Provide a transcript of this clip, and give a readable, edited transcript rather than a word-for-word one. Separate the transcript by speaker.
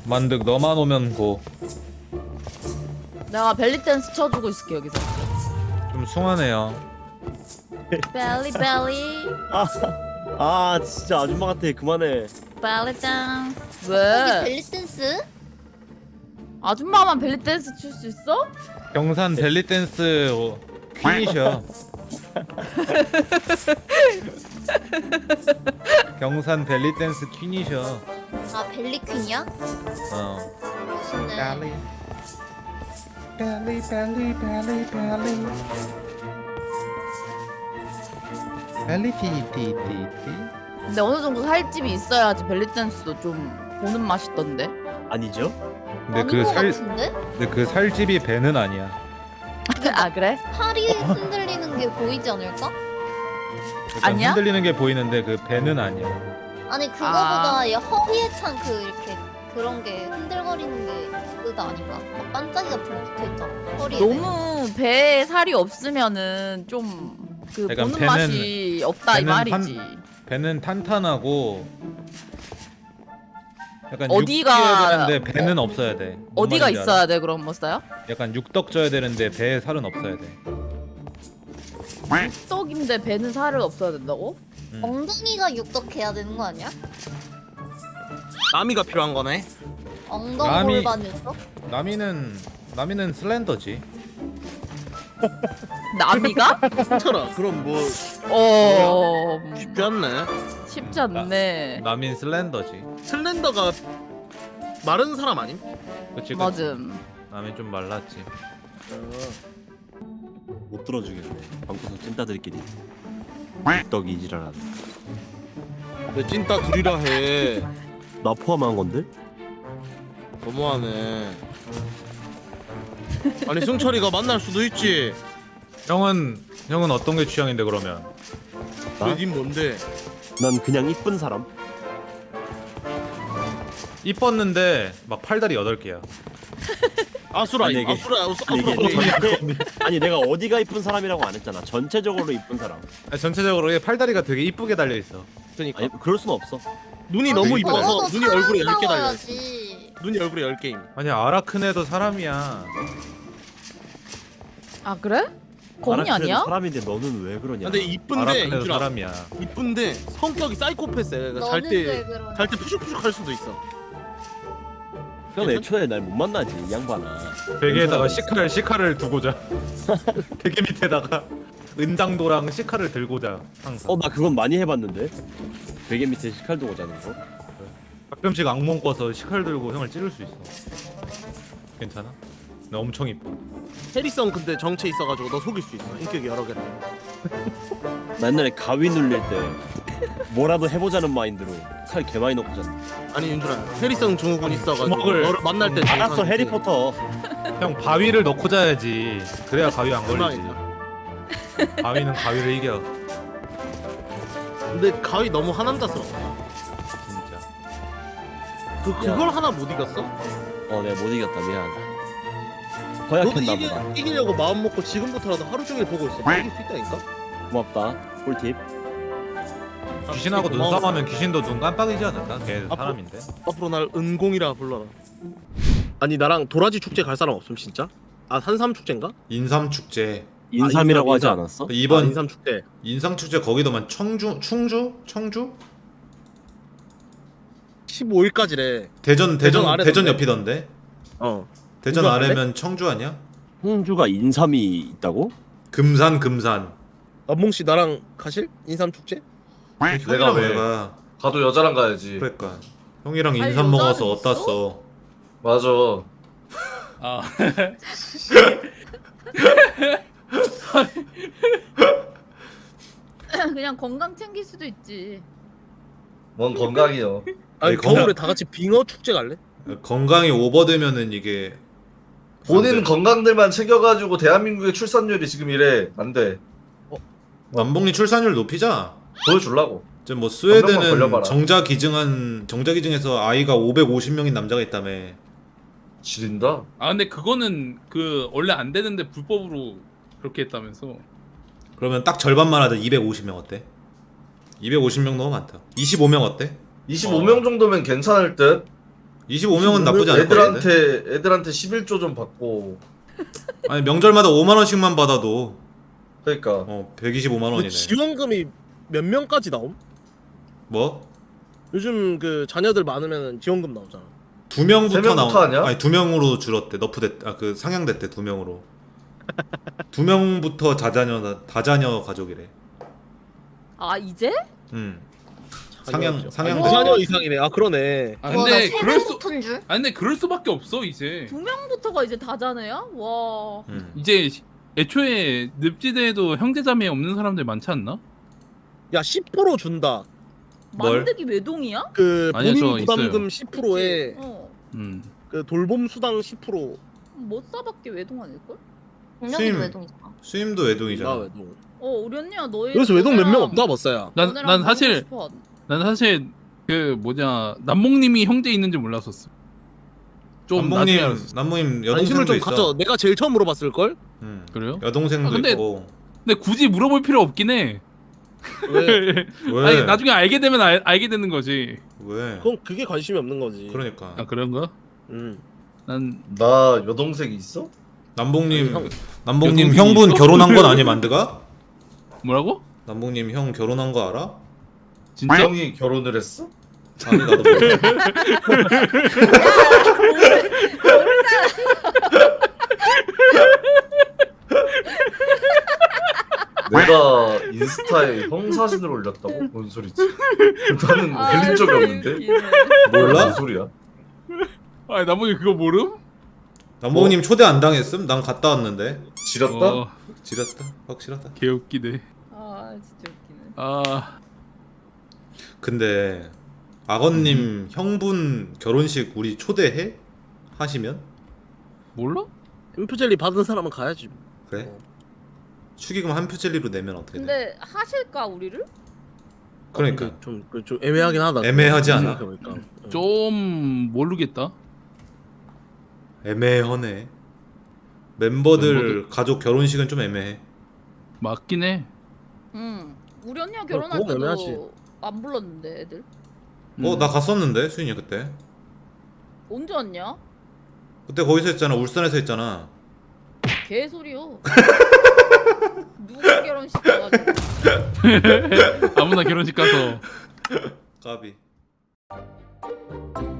Speaker 1: 만득 너만 오면 고.
Speaker 2: 내가 벨리 댄스 쳐주고 있을게 여기서.
Speaker 1: 좀 숭하네요.
Speaker 2: 벨리 벨리
Speaker 3: 진짜 아줌마 같아. 그만해.
Speaker 2: 벨리 댄스.
Speaker 4: 여기
Speaker 2: 왜?
Speaker 4: 벨리 댄스?
Speaker 2: 아줌마만 벨리 댄스 출 수 있어?
Speaker 1: 경산 벨리 댄스 퀸이셔. 경산 벨리 댄스 퀸이셔.
Speaker 4: 아 벨리 퀸이야?
Speaker 1: 어.
Speaker 4: 멋있네.
Speaker 1: 벨리 티티티티.
Speaker 2: 근데 어느 정도 살집이 있어야지 벨리 댄스도 좀 보는 맛있던데.
Speaker 3: 아니죠?
Speaker 1: 근데
Speaker 4: 아닌
Speaker 1: 그
Speaker 4: 것
Speaker 1: 살
Speaker 4: 같은데?
Speaker 1: 근데 그 살집이 배는 아니야.
Speaker 2: 아 그래?
Speaker 4: 팔이 흔들리는 게 보이지 않을까?
Speaker 1: 약간
Speaker 2: 아니야?
Speaker 1: 흔들리는 게 보이는데 그 배는 아니야.
Speaker 4: 아니 그거보다 얘 허리에 찬 그 이렇게 그런 게 흔들거리는 게 그거 아닌가? 막 반짝이 같은 거 붙어있잖아 허리에.
Speaker 2: 너무 배에 살이 없으면은 좀 그
Speaker 1: 약간
Speaker 2: 보는 맛이 없다 이
Speaker 1: 배는
Speaker 2: 말이지.
Speaker 1: 배는 탄탄하고 약간
Speaker 2: 어디가-
Speaker 1: 육지여야 되는데 배는 없어야 돼. 뭔
Speaker 2: 어디가
Speaker 1: 말인지
Speaker 2: 있어야
Speaker 1: 알아?
Speaker 2: 돼 그럼 뭐 써요?
Speaker 1: 약간 육덕져야 되는데 배에 살은 없어야 돼.
Speaker 2: 떡인데 배는 살을 없어야 된다고?
Speaker 4: 엉덩이가 육덕해야 되는 거 아니야?
Speaker 5: 나미가 필요한 거네.
Speaker 4: 엉덩이
Speaker 1: 남이-
Speaker 4: 골반에서?
Speaker 1: 남이는 슬렌더지.
Speaker 2: 남이가?
Speaker 5: 쳐라. 그럼 뭐 쉽지 않네.
Speaker 2: 쉽지 않네.
Speaker 1: 남인 슬렌더지.
Speaker 5: 슬렌더가 마른 사람 아님?
Speaker 1: 그치 그치.
Speaker 2: 맞음.
Speaker 1: 남이 좀 말랐지.
Speaker 3: 못 들어주겠네. 방구석 찐따들끼리. 떡이 이지랄하네.
Speaker 5: 내 찐따 둘이라 해.
Speaker 3: 나 포함한 건데?
Speaker 5: 너무하네. 아니 승철이가 만날 수도 있지.
Speaker 1: 형은 어떤 게 취향인데 그러면?
Speaker 3: 나?
Speaker 5: 왜 닌 뭔데?
Speaker 3: 난 그냥 이쁜 사람.
Speaker 1: 이뻤는데 막 팔다리 8개야.
Speaker 5: 아수라
Speaker 3: 아니, 이게-
Speaker 5: 아수라
Speaker 3: 아니, 이게
Speaker 5: 아수라.
Speaker 3: 아니 내가 어디가 이쁜 사람이라고 안 했잖아. 전체적으로 이쁜 사람.
Speaker 1: 전체적으로 얘 팔다리가 되게 이쁘게 달려 있어.
Speaker 5: 그러니까
Speaker 3: 아니 그럴 순 없어.
Speaker 5: 눈이 너무
Speaker 1: 되게
Speaker 5: 이뻐서
Speaker 4: 너도
Speaker 5: 눈이 얼굴에
Speaker 4: 사람
Speaker 5: 10개 달려.
Speaker 4: 나와야지.
Speaker 5: 눈이 얼굴에 10개임.
Speaker 1: 아니 아라크네도 사람이야.
Speaker 2: 아 그래? 거미
Speaker 3: 아라크네도
Speaker 2: 아니야?
Speaker 3: 사람인데 너는 왜 그러냐?
Speaker 5: 근데 이쁜데
Speaker 1: 아라크네도
Speaker 5: 인준아,
Speaker 1: 사람이야.
Speaker 5: 이쁜데 성격이 사이코패스야.
Speaker 4: 너는 왜
Speaker 5: 잘때
Speaker 4: 그러냐?
Speaker 5: 잘 때 푸슉푸슉 할 수도 있어.
Speaker 3: 형 애초에 날 못 만나지 이 양반아.
Speaker 1: 베개에다가 시카를 두고자. 베개 밑에다가 은장도랑 시카를 들고자 항상.
Speaker 3: 나 그건 많이 해봤는데. 베개 밑에 식칼 두고 자는 거.
Speaker 1: 가끔씩 악몽 꿔서 시칼 들고 형을 찌를 수 있어. 괜찮아? 나 엄청 이뻐.
Speaker 5: 해리성 근데 정체 있어가지고 너 속일 수 있어. 인격이 여러 개라.
Speaker 3: 나 옛날에 가위 눌릴 때 뭐라도 해보자는 마인드로 칼 개 많이 넣고 잤는데.
Speaker 5: 아니 윤준아 해리성 증후군 있어가지고
Speaker 1: 주먹을-
Speaker 5: 너를 만날 때
Speaker 3: 알았어
Speaker 5: 정상이지.
Speaker 3: 해리포터.
Speaker 1: 형 바위를 넣고 자야지. 그래야 가위 안 걸리지.
Speaker 5: 희망이다.
Speaker 1: 바위는 가위를 이겨.
Speaker 5: 근데 가위 너무 하남자스럽다.
Speaker 1: 진짜.
Speaker 5: 그걸 하나 못 이겼어?
Speaker 3: 내가 못 이겼다 미안하다.
Speaker 5: 너도
Speaker 3: 허약했나 보다.
Speaker 5: 이기려고 마음 먹고 지금부터라도 하루 종일 보고 있어. 너 이길 수 있다니까?
Speaker 3: 고맙다. 꿀팁.
Speaker 1: 귀신하고
Speaker 5: 고마워.
Speaker 1: 눈싸움하면 귀신도 눈 깜빡이지 않을까? 걔
Speaker 5: 앞으로-
Speaker 1: 사람인데.
Speaker 5: 앞으로 날 은공이라 불러라. 아니 나랑 도라지 축제 갈 사람 없음 진짜? 아 산삼 축제인가?
Speaker 1: 인삼 축제.
Speaker 3: 인삼이라고 하지
Speaker 5: 인삼.
Speaker 3: 않았어?
Speaker 1: 이번
Speaker 5: 인삼 축제.
Speaker 1: 인삼 축제 거기도만 충주?
Speaker 5: 15일까지래.
Speaker 1: 대전
Speaker 5: 아래던데.
Speaker 1: 대전 옆이던데.
Speaker 5: 어.
Speaker 1: 대전
Speaker 5: 충주 갈래?
Speaker 1: 아래면 청주 아니야?
Speaker 3: 홍주가 인삼이 있다고?
Speaker 1: 금산.
Speaker 5: 남몽 씨 나랑 가실? 인삼 축제?
Speaker 1: 내가 왜 가?
Speaker 6: 가도 여자랑 가야지.
Speaker 1: 그러니까 형이랑
Speaker 2: 아니,
Speaker 1: 인삼
Speaker 2: 여자는
Speaker 1: 먹어서
Speaker 2: 있어?
Speaker 1: 어땠어?
Speaker 6: 맞아.
Speaker 7: 아
Speaker 2: 그냥 건강 챙길 수도 있지.
Speaker 6: 뭔 건강이요.
Speaker 5: 아니
Speaker 1: 아니,
Speaker 5: 겨울에
Speaker 1: 건강-
Speaker 5: 다 같이 빙어 축제 갈래?
Speaker 1: 건강이 오버되면은 이게
Speaker 6: 본인 건강들만 챙겨가지고 대한민국의 출산율이 지금 이래. 안 돼.
Speaker 1: 남북리 출산율 높이자.
Speaker 6: 보여주려고.
Speaker 1: 이제 뭐
Speaker 6: 한 명만
Speaker 1: 스웨덴은
Speaker 6: 걸려봐라.
Speaker 1: 정자기증에서 아이가 550명인 남자가 있다며.
Speaker 6: 지린다.
Speaker 7: 아 근데 그거는 그 원래 안 되는데 불법으로 그렇게 했다면서.
Speaker 1: 그러면 딱 절반만 하자. 250명 어때? 250명 너무 많다. 25명 어때?
Speaker 6: 25명 정도면 괜찮을 듯.
Speaker 1: 25명은 나쁘지 않을 것 같은데.
Speaker 6: 애들한테 11조 좀 받고.
Speaker 1: 아니 명절마다 5만 원씩만 받아도
Speaker 6: 그러니까
Speaker 1: 125만
Speaker 5: 근데
Speaker 1: 원이네.
Speaker 5: 지원금이 몇 명까지 나옴?
Speaker 1: 뭐?
Speaker 5: 요즘 그 자녀들 많으면 지원금 나오잖아.
Speaker 1: 2명부터
Speaker 6: 세 명부터 아니야?
Speaker 1: 아니 2명으로 줄었대. 그 상향됐대 2명으로. 2명부터 다자녀 가족이래.
Speaker 2: 아 이제?
Speaker 1: 상향
Speaker 5: 자녀 이상이네. 아 그러네.
Speaker 7: 아
Speaker 4: 와,
Speaker 7: 근데
Speaker 4: 나
Speaker 7: 그럴 수
Speaker 4: 세배고픈 줄?
Speaker 7: 아 근데 그럴 수밖에 없어 이제.
Speaker 2: 2명부터가 이제 다자네야? 와.
Speaker 7: 이제 애초에 늪지대에도 형제자매 없는 사람들 많지 않나?
Speaker 5: 야 10% 준다.
Speaker 1: 뭘?
Speaker 2: 만드기 외동이야?
Speaker 5: 그
Speaker 7: 아니요,
Speaker 5: 본인
Speaker 7: 저
Speaker 5: 부담금 10%에
Speaker 2: 어.
Speaker 5: 그 돌봄 수당 10%.
Speaker 2: 못 사밖에 외동 아닐걸?
Speaker 4: 분명히
Speaker 1: 수임.
Speaker 4: 외동이잖아.
Speaker 1: 수임도 외동이잖아.
Speaker 5: 나 외동.
Speaker 2: 우리 언니야 너희
Speaker 5: 여기서 외동 몇 명 없다 봤어야.
Speaker 7: 난 사실 그 뭐냐 남몽님이 형제 있는지 몰랐었어. 좀 나중에 알았어.
Speaker 1: 남몽님
Speaker 5: 관심을
Speaker 1: 여동생도
Speaker 5: 좀
Speaker 1: 있어.
Speaker 5: 가져. 내가 제일 처음 물어봤을 걸.
Speaker 7: 그래요?
Speaker 1: 여동생도
Speaker 7: 아, 근데-
Speaker 1: 있고.
Speaker 7: 근데 굳이 물어볼 필요 없긴 해.
Speaker 5: 왜?
Speaker 1: 왜?
Speaker 7: 아니 나중에 알게 되면 알게 되는 거지.
Speaker 1: 왜?
Speaker 5: 그건 그게 관심이 없는 거지.
Speaker 1: 그러니까
Speaker 7: 아 그런가? 난
Speaker 6: 나 여동생이 있어?
Speaker 1: 남봉님
Speaker 5: 아니,
Speaker 1: 남봉님
Speaker 7: 여동생이
Speaker 1: 형분
Speaker 7: 있어?
Speaker 1: 결혼한 건 아니 만드가?
Speaker 7: 뭐라고?
Speaker 1: 남봉님 형 결혼한 거 알아?
Speaker 7: 진짜?
Speaker 6: 형이 결혼을 했어?
Speaker 1: 아니 나도 몰라.
Speaker 6: 내가 인스타에 형 사진을 올렸다고? 뭔 소리지? 나는 올린 적이 없는데?
Speaker 1: 몰라?
Speaker 6: 뭔 소리야?
Speaker 7: 아 남몽이 그거 모름?
Speaker 1: 남봉님 초대 안 당했음? 난 갔다 왔는데.
Speaker 6: 지렸다?
Speaker 1: 지렸다. 확실하다.
Speaker 7: 개웃기네.
Speaker 2: 아 진짜 웃기네.
Speaker 7: 아
Speaker 1: 근데 악언님 형분 결혼식 우리 초대해? 하시면?
Speaker 7: 몰라?
Speaker 5: 인프젤리 받은 사람은 가야지.
Speaker 1: 그래? 축의금 한 표젤리로 내면 어떻게 돼?
Speaker 2: 근데 하실까 우리를?
Speaker 1: 그러니까
Speaker 5: 좀 애매하긴 하다.
Speaker 1: 애매하지 않아?
Speaker 5: 생각해보니까.
Speaker 7: 좀 모르겠다.
Speaker 1: 애매하네. 멤버들 가족 결혼식은 좀 애매해.
Speaker 7: 맞긴 해.
Speaker 2: 우리 언니가 결혼할
Speaker 5: 그건 애매하지.
Speaker 2: 때도 안 불렀는데 애들.
Speaker 1: 나 갔었는데 수인이 그때.
Speaker 2: 언제 왔냐?
Speaker 1: 그때 거기서 했잖아. 울산에서 했잖아.
Speaker 2: 개소리요. 누가 결혼식 가가지고.
Speaker 7: 아무나 결혼식 가서
Speaker 1: 까비.